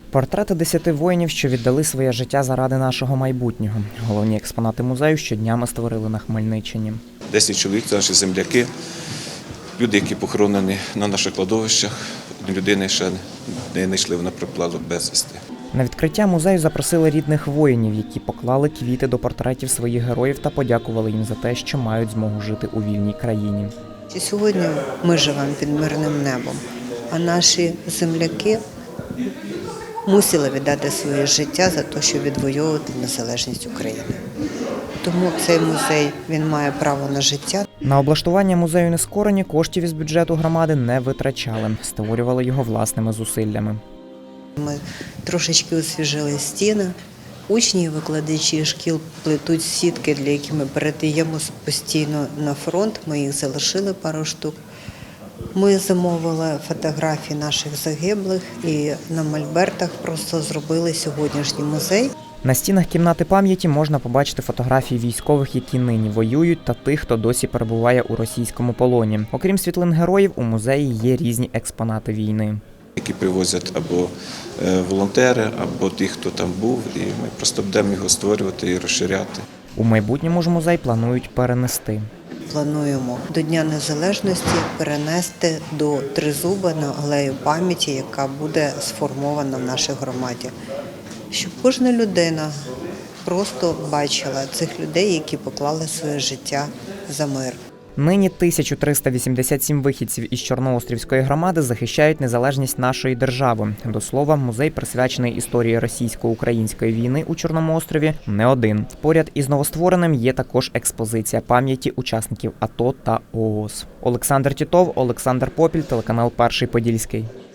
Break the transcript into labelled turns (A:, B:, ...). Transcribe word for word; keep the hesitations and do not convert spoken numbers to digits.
A: Портрети десяти воїнів, що віддали своє життя заради нашого майбутнього. Головні експонати музею щодня ми створили на Хмельниччині.
B: Десять чоловік – це наші земляки, люди, які похоронені на наших кладовищах. Людини ще не знайшли, вона пропала безвісти.
A: На відкриття музею запросили рідних воїнів, які поклали квіти до портретів своїх героїв та подякували їм за те, що мають змогу жити у вільній країні.
C: Сьогодні ми живемо під мирним небом, а наші земляки мусили віддати своє життя за те, щоб відвоювати незалежність України. Тому цей музей, він має право на життя.
A: На облаштування музею Нескорені коштів із бюджету громади не витрачали, створювали його власними зусиллями.
C: Ми трошечки освіжили стіни. Учні і викладачі шкіл плетуть сітки, для яких ми передаємо постійно на фронт. Ми їх залишили пару штук. Ми замовили фотографії наших загиблих і на мольбертах просто зробили сьогоднішній музей.
A: На стінах кімнати пам'яті можна побачити фотографії військових, які нині воюють, та тих, хто досі перебуває у російському полоні. Окрім світлин героїв, у музеї є різні експонати війни,
B: Які привозять або волонтери, або ті, хто там був, і ми просто будемо його створювати і розширяти.
A: У майбутньому ж музей планують перенести.
C: Плануємо до Дня Незалежності перенести до Тризуба на алею пам'яті, яка буде сформована в нашій громаді. Щоб кожна людина просто бачила цих людей, які поклали своє життя за мир.
A: Нині тисяча триста вісімдесят сім вихідців із Чорноострівської громади захищають незалежність нашої держави. До слова, музей, присвячений історії російсько-української війни у Чорному острові, не один. Поряд із новоствореним є також експозиція пам'яті учасників АТО та ООС. Олександр Тітов, Олександр Попіль, телеканал Перший Подільський.